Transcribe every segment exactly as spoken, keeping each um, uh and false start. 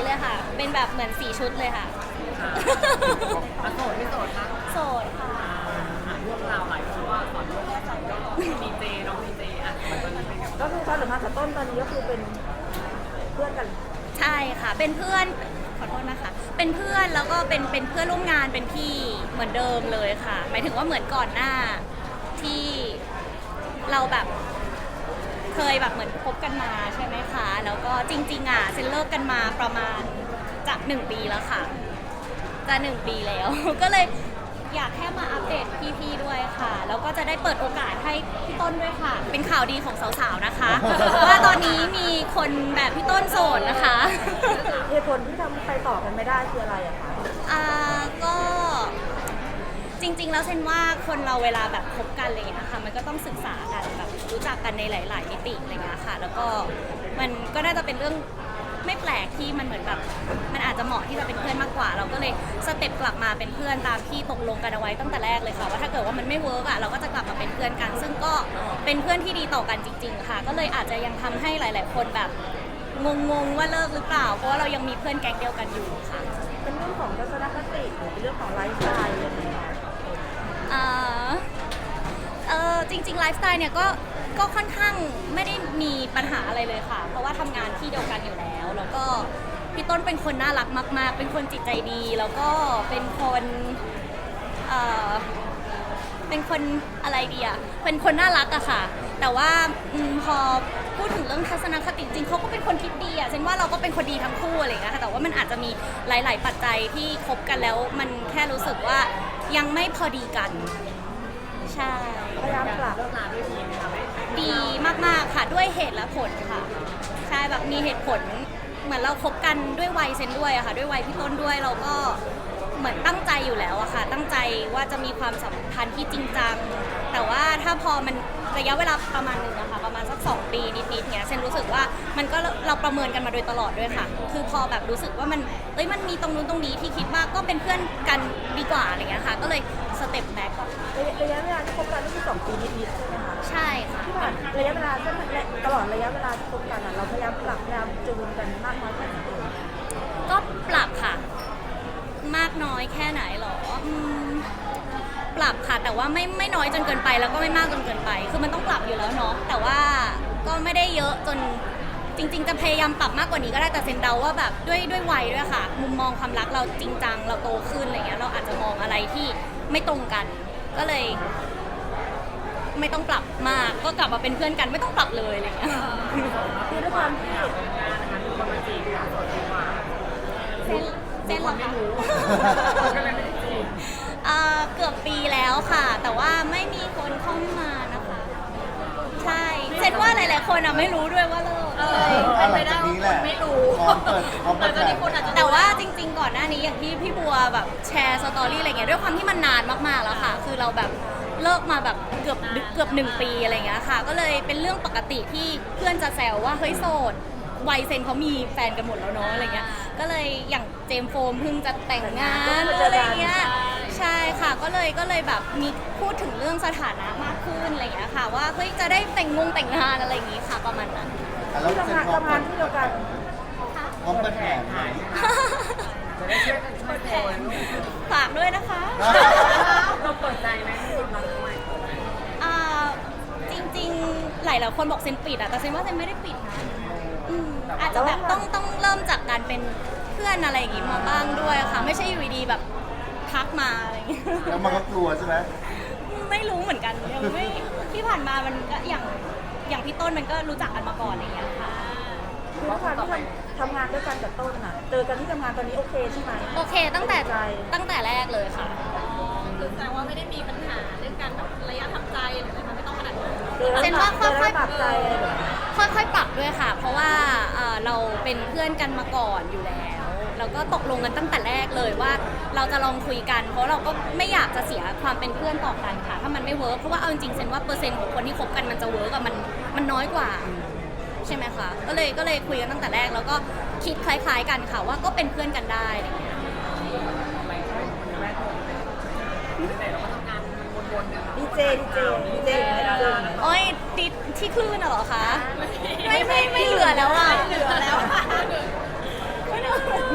เลยค่ะเป็นแบบเหมือนสีชุดเลยค่ะโสดไม่โสดคะโสดค่ะเรื่องราวหลายคนว่าสอนเรื่องดีเจน้องดีเจอ่ะมันตอนนี้เป็นไงก็คือความสัมพันธ์กับต้นตอนนี้ก็คือเป็นเพื่อนกันใช่ค่ะเป็นเพื่อนขอโทษนะคะเป็นเพื่อนแล้วก็เป็นเป็นเพื่อนร่วมงานเป็นพี่เหมือนเดิมเลยค่ะหมายถึงว่าเหมือนก่อนหน้าที่เราแบบเคยแบบเหมือนคบกันมาใช่ไหมคะแล้วก็จริงๆอ่ะเซนเลิกกันมาประมาณจะหนึ่งปีแล้วค่ะจะหนึ่งปีแล้ว ก็เลยอยากแค่มาอัปเดตพี่ๆด้วยค่ะแล้วก็จะได้เปิดโอกาสให้พี่ต้นด้วยค่ะเป็นข่าวดีของสาวๆนะคะ ว่าตอนนี้มีคนแบบพี่ต้นโสดนะคะเหตุผลที่ทำให้ไปต่อกันไม่ได้คืออะไรอะคะอ่าก็จริงๆแล้วเซนว่าคนเราเวลาแบบคบกันอะไรอย่างเงี้ยค่ะมันก็ต้องศึกษากันแบบรู้จักกันในหลาย ๆ มิติอะไรเงี้ยค่ะแล้วก็มันก็น่าจะเป็นเรื่องไม่แปลกที่มันเหมือนแบบมันอาจจะเหมาะที่จะเป็นเพื่อนมากกว่า เราก็เลยสเต็ปกลับมาเป็นเพื่อนตามที่ตกลงกันเอาไว้ตั้งแต่แรกเลยค่ะว่าถ้าเกิดว่ามันไม่เวิร์กอ่ะเราก็จะกลับมาเป็นเพื่อนกัน ซึ่งก็เป็นเพื่อนที่ดีต่อกันจริง ๆ ค่ะ ก็เลยอาจจะยังทำให้หลาย ๆ คนแบบงง ๆ ว่าเลิกหรือเปล่าเพราะว่าเรายังมีเพื่อนแก๊งเดียวกันอยู่ค่ะเป็นเรื่องของทัศนคติหรือเป็นเรื่องของไลฟ์สไตล์อะไรอย่างเงี้ยอ่าเออจริงๆไลฟ์สไตล์เนี่ยก็ก็ค่อนข้างไม่ได้มีปัญหาอะไรเลยค่ะ เพราะว่าทำงานที่เดียวกันอยู่แล้ว แล้วก็พี่ต้นเป็นคนน่ารักมากๆเป็นคนจิตใจดี แล้วก็เป็นคนเอ่อเป็นคนอะไรดีอะเป็นคนน่ารักอะค่ะ แต่ว่าอมพอพูดถึงเรื่องทัศนคติจริงเขาก็เป็นคนคิดดีอะเช่นว่าเราก็เป็นคนดีทั้งคู่อะไรอย่างเงี้ยค่ะแต่ว่ามันอาจจะมีหลาย ๆ ปัจจัยที่คบกันแล้วมันแค่รู้สึกว่ายังไม่พอดีกัน ใช่พยายามปรับเลิกลาด้วยดีไหมคะไม่ดีมากๆค่ะด้วยเหตุและผลค่ะใช่แบบมีเหตุผลเหมือนเราคบกันด้วยวัยเซนด้วยอะค่ะด้วยวัยพี่ต้นด้วยเราก็เหมือนตั้งใจอยู่แล้วอะค่ะตั้งใจว่าจะมีความสัมพันธ์ที่จริงจังแต่ว่าถ้าพอมันระยะเวลาประมาณหนึงอะค่ะประมาณสักสองปีนิดๆเนี้ยเซนรู้สึกว่ามันก็เราประเมินกันมาโดยตลอดด้วยค่ะคือพอแบบรู้สึกว่ามันเอ้ยมันมีตรงนู้นตรงนี้ที่คิดว่าก็เป็นเพื่อนกันดีกว่าอะไรเงี้ยค่ะก็เลยสเต็ปแบ็กก่อนระยะเวลาที่คบกันก็คือสองปีนิดๆใช่ไหมคะใช่ค่ะที่ผ่านระยะเวลาก็ตลอดระยะเวลาที่คบกันอะเราพยายามปรับพยายามจูนกันมากน้อยแค่ไหนเอ่ยก็ปรับค่ะ มากน้อยแค่ไหนหรออืมปรับค่ะแต่ว่าไม่ไม่น้อยจนเกินไปแล้วก็ไม่มากจนเกินไป คือมันต้องปรับอยู่แล้วเนาะแต่ว่าก็ไม่ได้เยอะจนจริง ๆ จะพยายามปรับมากกว่านี้ก็ได้แต่เซนเดาว่าแบบด้วยด้วยวัยด้วยค่ะ มุมมองความรักเราจริงจังเราโตขึ้นอะไรเงี้ยเราอาจจะมองอะไรที่ไม่ตรงกัน ก็เลย ไม่ต้องปรับมากก็กลับมาเป็นเพื่อนกันไม่ต้องปรับเลยอะไรเงี้ยคือด้วยความที่งานนะคะมีคนมาจีบค่ะโสดดีกว่าเซนเซนเหรอคะก็เลยไม่ได้จีบเอ่อเกือบปีแล้วค่ะ แต่ว่าไม่มีคนเข้ามานะคะ ใช่เซนว่าหลายๆคนอ่ะไม่รู้ด้วยว่าเลิกเป็นไปได้ว่าคนไม่รู้พร้อมเปิดพร้อมเปิดแบบแต่ว่าจริง ๆ ก่อนหน้านี้อย่างที่พี่บัวแบบแชร์สตอรี่อะไรเงี้ยด้วยความที่มันนานมากๆแล้วค่ะ คือเราแบบเลิกมาแบบเกือบเกือบหนึ่งปีอะไรเงี้ยค่ะ ก็เลยเป็นเรื่องปกติที่เพื่อนจะแซวว่าเฮ้ยโสดวัยเซนเขามีแฟนกันหมดแล้วเนาะอะไรเงี้ยก็เลยอย่างเจมส์โฟมเพิ่งจะแต่งงานอะไรเงี้ยใช่ค่ะก็เลยก็เลยแบบมีพูดถึงเรื่องสถานะมากขึ้นอะไรเงี้ยค่ะว่าเฮ้ยจะได้แต่งงงแต่งงานอะไรอย่างงี้ค่ะประมาณนั้นแล้วที่เซ็ทำนงานพร้อมทำงาเปินดที่เดียวกันพร้อมเปิดแผนไหมจะได้ช่วยกันช่วยคนฝากด้วยนะคะเราเปิดใจไหมมีคนรักใหม่อ่าจริงๆ หลายหลายๆคนบอกเซนปิดอะแต่เซนว่าเซนไม่ได้ปิดนะอืมอาจจะแบบต้องต้องเริ่มจากการเป็นเพื่อนอะไรอย่างงี้มาบ้างด้วยค่ะ ไม่ใช่อยู่ดีๆแบบทักมาอะไรอย่างงี้แล้วมันก็กลัวใช่ไหมไม่รู้เหมือนกันยังไม่ที่ผ่านมามันก็อย่างอย่างพี่ต้นมันก็รู้จักกันมาก่อนอะไรอย่างเงี้ยค่ะคือด้วยความที่ทำทำงานด้วยกันกับต้นอะเจอกันที่ทำงานตอนนี้โอเคใช่ไหมโอเคตั้งแต่ใจตั้งแต่แรกเลยค่ะคือแสดงว่าไม่ได้มีปัญหาเรื่องการแบบระยะทำใจหรืออะไรมันไม่ต้องขนาดนั้นเจอแล้วเจนปรัว่าบค่เจอยอๆแล้วปรับใจอะไรแบบนี้ค่อยๆ ปรับด้วยค่ะ เพราะว่าเอ่อเราเป็นเพื่อนกันมาก่อนอยู่แล้ว เราก็ตกลงกันตั้งแต่แรกเลยว่าเราจะลองคุยกัน เพราะเราก็ไม่อยากจะเสียความเป็นเพื่อนต่อกันค่ะ ถ้ามันไม่เวิร์กเพราะว่าเอาจริงๆเซนว่าเปอร์เซ็นต์ของคนที่คบกันมันจะเวิร์กอะมันมันน้อยกว่า ใช่ไหมคะ ก็เลยก็เลยคุยกันตั้งแต่แรกแล้วก็คิดคล้ายๆ กันค่ะว่าก็เป็นเพื่อนกันได้อะไรอย่างเงี้ยอะไรช่วยคนแรกคนไหนเราก็ทำงานวนๆกันดีเจดีเจดีเจอยู่ไหนดีเจโอ้ยติดที่คลื่นน่ะเหรอคะ ไม่ไม่ไม่เหลือแล้วอ่ะเหลือแล้วค่ะไม่เหลือ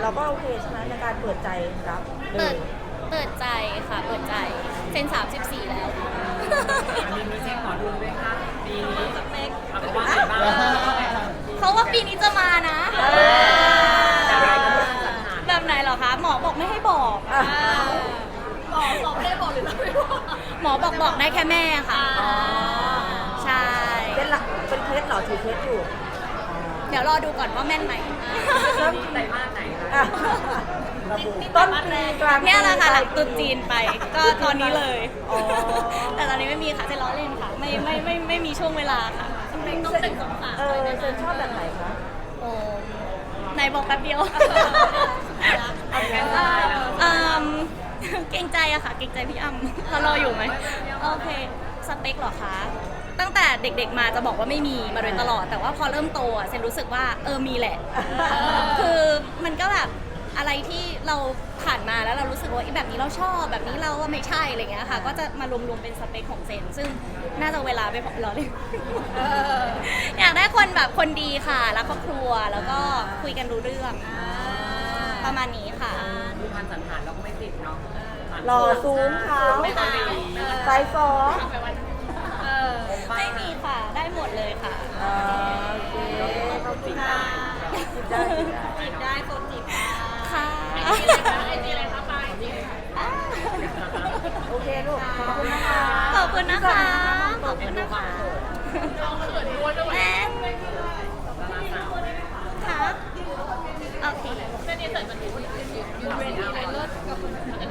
เราก็โอเคใช่ไหมในการเปิดใจรับเปิดเปิดใจค่ะเปิดใจเซนสามสิบสี่แล้วมีมีเช็คหมอดูไหมคะปีนี้สเปคเอาเป็นว่าไหนบ้างเขาว่าปีนี้จะมานะอะไรก็ไม่สัญหาแบบไหนเหรอคะ หมอบอกไม่ให้บอกอ่ะบอกบอกไม่ได้บอกหรือเราไม่บอกหมอบอกบอกได้แค่แม่ค่ะ ใช่เป็นหลักเป็นเคสเหรอถือเคสอยู่เดี๋ยวรอดูก่อนว่าแม่นไหมไหนมากไหนอ่ะระบุต้นปีกลางปีเนี่ยแหละค่ะหลังตรุษปลายปีจีนไป ก็ตอนนี้เลยอ๋อแต่ตอนนี้ไม่มีค่ะจะล้อเล่นค่ะ ไม่ไม่ไม่ไม่มีช่วงเวลาค่ะต้องเป็นสองสามเออเซนชอบแบบไหนคะโอ้ไหนบอกแป๊บเดียวเอาแค่เอ่อเอิ่มเกรงใจอะค่ะ เกรงใจพี่อ้ำเขารออยู่ไหมโอเค สเปคเหรอคะ ตั้งแต่เด็กๆมาจะบอกว่าไม่มีมาโดยตลอด แต่ว่าพอเริ่มโตอะเซนรู้สึกว่าเออมีแหละ คือมันก็แบบอะไรที่เราผ่านมาแล้วเรารู้สึกว่าไอ้แบบนี้เราชอบแบบนี้เราว่าไม่ใช่อะไรเงี้ยค่ะ ก็จะมารวมๆเป็นสเปคของเซน ซึ่งน่าจะเวลาไปพอรอเลย อยากได้คนแบบคนดีค่ะรักครอบครัวแล้วก็คุยกันรู้เรื่อง ประมาณนี้ค่ะดูพันสันฐานเราก็ไม่ติดเนาะหล่อสูงขาวไม่ต้องดีไซส์ฟอร์เออไม่มีค่ะ ได้หมดเลยค่ะอ่าโอเคเขาติดได้จิบได้จิบได้จีบได้โซนจีบได้ค่ะไอจีอะไรคะไอจีอะไรคะไปจีบอ่าโอเคลูก ขอบคุณนะคะขอบคุณนะคะ ขอบคุณนะคะน้องเขินด้วยด้วยแม่ค่ะโอเคเส้นนี้เสร็จมันดูยืนเรียนอะไรเลิศกับคุณ